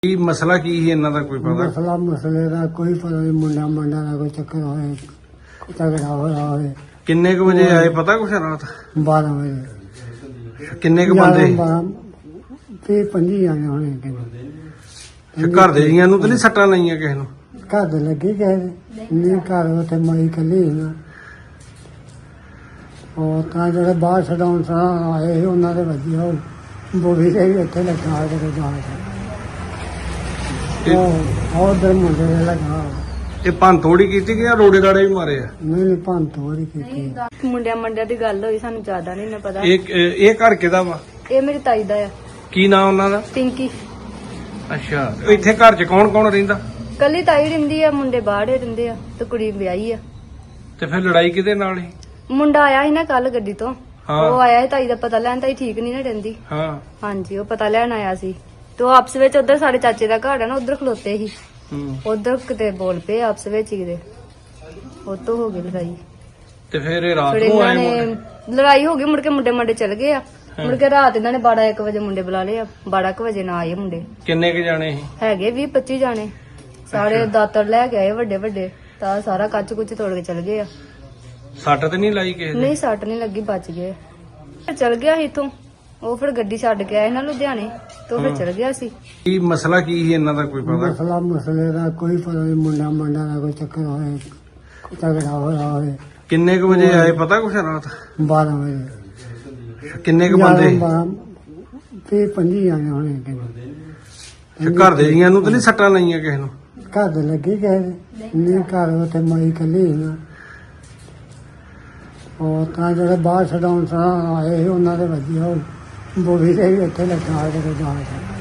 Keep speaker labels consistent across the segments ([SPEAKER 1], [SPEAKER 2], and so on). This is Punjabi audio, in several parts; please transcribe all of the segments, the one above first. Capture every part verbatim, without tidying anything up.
[SPEAKER 1] ਕੀ ਮਸਲਾ ਕੀ ਸੀ ਇਹਨਾਂ ਦਾ ਕੋਈ ਪਤਾ?
[SPEAKER 2] ਮਸਲਾ ਮਸਲੇ ਦਾ ਕੋਈ ਪਤਾ ਨਹੀਂ। ਮੁੰਡਾ ਮੁੰਡਾ ਦਾ ਕੋਈ ਚੱਕਰ ਹੋਏ, ਝਗੜਾ ਹੋਇਆ ਹੋਵੇ।
[SPEAKER 1] ਕਿੰਨੇ ਕੁ ਵਜੇ ਆਏ ਪਤਾ ਕੁਛ ਰਾਤ?
[SPEAKER 2] ਬਾਰਾਂ ਵਜੇ
[SPEAKER 1] ਕਿੰਨੇ ਕੁ ਬੰਦੇ?
[SPEAKER 2] ਤੇ ਪੰਜੀ ਆਏ ਹੋਣੇ ਕਿੰਨੇ।
[SPEAKER 1] ਘਰ ਦੇ ਜੀਆਂ ਨੂੰ ਤਾਂ ਨਹੀਂ ਸੱਟਾਂ ਲਾਈਆਂ ਕਿਸੇ ਨੂੰ?
[SPEAKER 2] ਘਰ ਦੇ ਲੱਗੇ ਗਏ ਨਹੀਂ, ਘਰ ਉੱਥੇ ਮਾਈ ਕੱਲੀ ਨਾ। ਉਹ ਤਾਂ ਜਿਹੜੇ ਬਾਹਰ ਛਡਾਉਣ ਸਾਂ ਆਏ ਸੀ ਉਹਨਾਂ ਦੇ ਵਧੀਆ ਉਹ ਬੋਲੀ ਦੇ ਵੀ ਇੱਥੇ ਲੱਗਾ ਕੇ ਜਾ ਉਹ ਉਧਰ ਮੁੰਡੇ ਦੇ ਲੱਗਾ।
[SPEAKER 1] ਇਹ ਭੰਨ ਤੋੜੀ ਕੀਤੀ ਕਿ ਜਾਂ ਰੋੜੇ ਰਾੜੇ ਵੀ ਮਾਰੇ ਆ?
[SPEAKER 2] ਨਹੀਂ ਨਹੀਂ ਭੰਨ ਤੋੜੀ ਕੀਤੀ।
[SPEAKER 3] ਮੁੰਡਿਆਂ ਮੰਡਿਆਂ ਦੀ ਗੱਲ ਹੋਈ, ਸਾਨੂੰ ਜ਼ਿਆਦਾ ਨਹੀਂ ਨਾ ਪਤਾ।
[SPEAKER 1] ਇਹ ਇਹ ਘਰ ਕਿਹਦਾ ਵਾ?
[SPEAKER 3] ਇਹ ਮੇਰੀ ਤਾਈ ਦਾ ਆ।
[SPEAKER 1] ਕੀ ਨਾਮ ਉਹਨਾਂ ਦਾ?
[SPEAKER 3] ਪਿੰਕੀ।
[SPEAKER 1] ਅੱਛਾ, ਇੱਥੇ ਘਰ 'ਚ ਕੌਣ ਕੌਣ ਰਹਿੰਦਾ?
[SPEAKER 3] ਕੱਲੀ ਤਾਈ ਰਹਿੰਦੀ ਆ, ਮੁੰਡੇ ਬਾਹਰੇ ਰਹਿੰਦੇ ਆ ਤੇ ਕੁੜੀ ਵਿਆਹੀ ਆ।
[SPEAKER 1] ਤੇ ਫਿਰ ਲੜਾਈ ਕਿਹਦੇ ਨਾਲ ਸੀ?
[SPEAKER 3] ਮੁੰਡਾ ਆਇਆ ਸੀ ਨਾ ਕੱਲ ਗੱਡੀ ਤੋਂ।
[SPEAKER 1] ਹਾਂ।
[SPEAKER 3] ਉਹ ਆਇਆ ਸੀ ਤਾਈ ਦਾ ਪਤਾ ਲੈਣ। ਤਾਈ ਠੀਕ ਨਹੀਂ ਨਾ ਰਹਿੰਦੀ।
[SPEAKER 1] ਹਾਂ।
[SPEAKER 3] ਹਾਂਜੀ, ਉਹ ਪਤਾ ਲੈਣ ਆਇਆ ਸੀ ਤੇ ਉਹ ਆਪਸ ਵਿੱਚ ਉਧਰ ਸਾਡੇ ਚਾਚੇ ਦਾ ਘਰ ਆ ਨਾ, ਉਧਰ ਖਲੋਤੇ ਸੀ।
[SPEAKER 1] ਹੂੰ।
[SPEAKER 3] ਉਧਰ ਕਿਤੇ ਬੋਲ ਪਏ ਆਪਸ ਵਿੱਚ ਹੀ ਕਿਤੇ, ਉਹ ਤੋਂ ਹੋ ਗਈ ਲੜਾਈ।
[SPEAKER 1] ਤੇ ਫਿਰ ਇਹ ਰਾਤ
[SPEAKER 3] ਫਿਰ
[SPEAKER 1] ਨੂੰ
[SPEAKER 3] ਇਹਨਾਂ
[SPEAKER 1] ਆਏ
[SPEAKER 3] ਨੇ
[SPEAKER 1] ਮੁੰਡੇ?
[SPEAKER 3] ਲੜਾਈ ਹੋ ਗਈ, ਮੁੜ ਕੇ ਮੁੰਡੇ ਮੰਡੇ ਚਲ ਗਏ ਆ। ਮੁੜ ਕੇ ਰਾਤ ਇਹਨਾਂ ਨੇ ਬਾਰਾਂ ਇੱਕ ਵਜੇ ਮੁੰਡੇ ਬੁਲਾ ਲਏ ਆ। ਬਾਰਾਂ ਕੁ ਵਜੇ ਨਾ ਆਏ ਮੁੰਡੇ।
[SPEAKER 1] ਕਿੰਨੇ ਕੁ ਜਾਣੇ ਸੀ?
[SPEAKER 3] ਹੈਗੇ ਵੀਹ ਪੱਚੀ ਜਾਣੇ। ਸਾਰੇ ਦਾਤਰ ਲੈ ਕੇ ਆਏ ਵੱਡੇ ਵੱਡੇ, ਤਾਂ ਸਾਰਾ ਕੱਚ ਕੁੱਚ ਤੋੜ ਕੇ ਚਲ ਗਏ ਆ।
[SPEAKER 1] ਸੱਟ ਤੇ ਨਹੀਂ ਲਾਈ ਕਿਸੇ ਦੇ?
[SPEAKER 3] ਨਹੀਂ, ਸੱਟ ਨਹੀਂ ਲੱਗੀ, ਬਚ ਗਏ। ਫਿਰ ਚਲ ਗਿਆ ਸੀ ਇੱਥੋਂ। ਉਹ ਫਿਰ ਗੱਡੀ ਛੱਡ ਕੇ ਆਏ ਨਾ ਲੁਧਿਆਣੇ, ਤੋਂ ਫਿਰ ਚਲ ਗਿਆ ਸੀ।
[SPEAKER 1] ਕੀ ਮਸਲਾ ਕੀ ਸੀ ਇਹਨਾਂ ਦਾ ਕੋਈ ਪਤਾ?
[SPEAKER 2] ਮਸਲਾ ਮਸਲੇ ਦਾ ਕੋਈ ਪਤਾ ਨਹੀਂ। ਮੁੰਡਾ ਮੁੰਡਾ ਦਾ ਕੋਈ ਚੱਕਰ ਹੋਏ, ਝਗੜਾ ਹੋਇਆ ਹੋਵੇ।
[SPEAKER 1] ਕਿੰਨੇ ਕੁ ਵਜੇ ਆਏ ਪਤਾ ਕੁਛ ਰਾਤ?
[SPEAKER 2] ਬਾਰਾਂ ਵਜੇ।
[SPEAKER 1] ਕਿੰਨੇ ਕੁ ਬੰਦੇ?
[SPEAKER 2] ਤੇ ਪੰਜੀ ਆਏ ਹੋਣੇ ਕਿੰਨੇ।
[SPEAKER 1] ਘਰ ਦੇ ਜੀਆਂ ਨੂੰ ਤਾਂ ਨਹੀਂ ਸੱਟਾਂ ਲਾਈਆਂ ਕਿਸੇ ਨੂੰ?
[SPEAKER 2] ਘਰ ਦੇ ਲੱਗੇ ਗਏ ਨਹੀਂ, ਘਰ ਉੱਥੇ ਮਾਈ ਕੱਲੀ ਨਾ। ਉਹ ਤਾਂ ਜਿਹੜੇ ਬਾਹਰ ਛਡਾਉਣ ਸਾਂ ਆਏ ਸੀ ਉਹਨਾਂ ਦੇ ਵਧੀਆ ਉਹ ਬੋਲੀ ਦੇ ਵੀ ਇੱਥੇ ਲੱਗਾ ਕੇ ਜਾ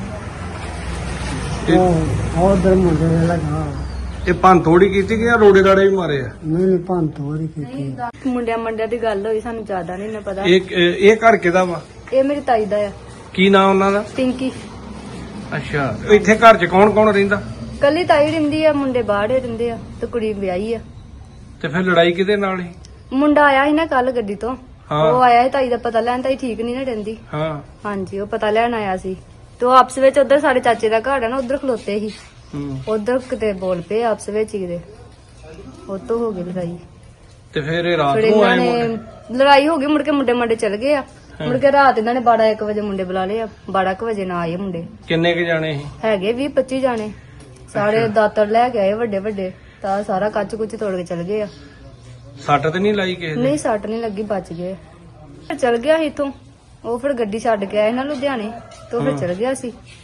[SPEAKER 2] ਉਹ ਉਧਰ ਮੁੰਡੇ ਦੇ ਲੱਗਾ।
[SPEAKER 1] ਇਹ ਭੰਨ ਤੋੜੀ ਕੀਤੀ ਕਿ ਜਾਂ ਰੋੜੇ ਰਾੜੇ ਵੀ ਮਾਰੇ ਆ?
[SPEAKER 2] ਨਹੀਂ ਨਹੀਂ ਭੰਨ ਤੋੜੀ ਕੀਤੀ।
[SPEAKER 3] ਮੁੰਡਿਆਂ ਮੰਡਿਆਂ ਦੀ ਗੱਲ ਹੋਈ, ਸਾਨੂੰ ਜ਼ਿਆਦਾ ਨਹੀਂ ਨਾ ਪਤਾ।
[SPEAKER 1] ਇਹ ਇਹ ਘਰ ਕਿਹਦਾ ਵਾ?
[SPEAKER 3] ਇਹ ਮੇਰੀ ਤਾਈ ਦਾ ਆ।
[SPEAKER 1] ਕੀ ਨਾਮ ਉਹਨਾਂ ਦਾ?
[SPEAKER 3] ਪਿੰਕੀ।
[SPEAKER 1] ਅੱਛਾ, ਇੱਥੇ ਘਰ 'ਚ ਕੌਣ ਕੌਣ ਰਹਿੰਦਾ?
[SPEAKER 3] ਕੱਲੀ ਤਾਈ ਰਹਿੰਦੀ ਆ, ਮੁੰਡੇ ਬਾਹਰੇ ਰਹਿੰਦੇ ਆ ਤੇ ਕੁੜੀ ਵਿਆਹੀ ਆ।
[SPEAKER 1] ਤੇ ਫਿਰ ਲੜਾਈ ਕਿਹਦੇ ਨਾਲ ਸੀ?
[SPEAKER 3] ਮੁੰਡਾ ਆਇਆ ਸੀ ਨਾ ਕੱਲ ਗੱਡੀ ਤੋਂ।
[SPEAKER 1] ਹਾਂ।
[SPEAKER 3] ਉਹ ਆਇਆ ਸੀ ਤਾਈ ਦਾ ਪਤਾ ਲੈਣ। ਤਾਈ ਠੀਕ ਨਹੀਂ ਨਾ ਰਹਿੰਦੀ।
[SPEAKER 1] ਹਾਂ।
[SPEAKER 3] ਹਾਂਜੀ, ਉਹ ਪਤਾ ਲੈਣ ਆਇਆ ਸੀ ਤੇ ਉਹ ਆਪਸ ਵਿੱਚ ਉਧਰ ਸਾਡੇ ਚਾਚੇ ਦਾ ਘਰ ਆ ਨਾ, ਉਧਰ ਖਲੋਤੇ ਸੀ।
[SPEAKER 1] ਹੂੰ।
[SPEAKER 3] ਉਧਰ ਕਿਤੇ ਬੋਲ ਪਏ ਆਪਸ ਵਿੱਚ ਹੀ ਕਿਤੇ, ਉਹ ਤੋਂ ਹੋ ਗਈ ਲੜਾਈ।
[SPEAKER 1] ਤੇ ਫਿਰ ਇਹ ਰਾਤ
[SPEAKER 3] ਫਿਰ
[SPEAKER 1] ਨੂੰ
[SPEAKER 3] ਇਹਨਾਂ
[SPEAKER 1] ਆਏ
[SPEAKER 3] ਨੇ
[SPEAKER 1] ਮੁੰਡੇ?
[SPEAKER 3] ਲੜਾਈ ਹੋ ਗਈ, ਮੁੜ ਕੇ ਮੁੰਡੇ ਮੰਡੇ ਚਲ ਗਏ ਆ। ਮੁੜ ਕੇ ਰਾਤ ਇਹਨਾਂ ਨੇ ਬਾਰਾਂ ਇੱਕ ਵਜੇ ਮੁੰਡੇ ਬੁਲਾ ਲਏ ਆ। ਬਾਰਾਂ ਕੁ ਵਜੇ ਨਾ ਆਏ ਮੁੰਡੇ।
[SPEAKER 1] ਕਿੰਨੇ ਕੁ ਜਾਣੇ ਸੀ?
[SPEAKER 3] ਹੈਗੇ ਵੀਹ ਪੱਚੀ ਜਾਣੇ। ਸਾਰੇ ਦਾਤਰ ਲੈ ਕੇ ਆਏ ਵੱਡੇ ਵੱਡੇ, ਤਾਂ ਸਾਰਾ ਕੱਚ ਕੁੱਚ ਤੋੜ ਕੇ ਚਲ ਗਏ ਆ।
[SPEAKER 1] ਸੱਟ ਤੇ ਨਹੀਂ ਲਾਈ ਕਿਸੇ ਦੇ?
[SPEAKER 3] ਨਹੀਂ, ਸੱਟ ਨਹੀਂ ਲੱਗੀ, ਬਚ ਗਏ। ਫਿਰ ਚਲ ਗਿਆ ਸੀ ਇੱਥੋਂ। ਉਹ ਫਿਰ ਗੱਡੀ ਛੱਡ ਕੇ ਆਏ ਨਾ ਲੁਧਿਆਣੇ, ਤੋਂ ਫਿਰ ਚਲ ਗਿਆ ਸੀ।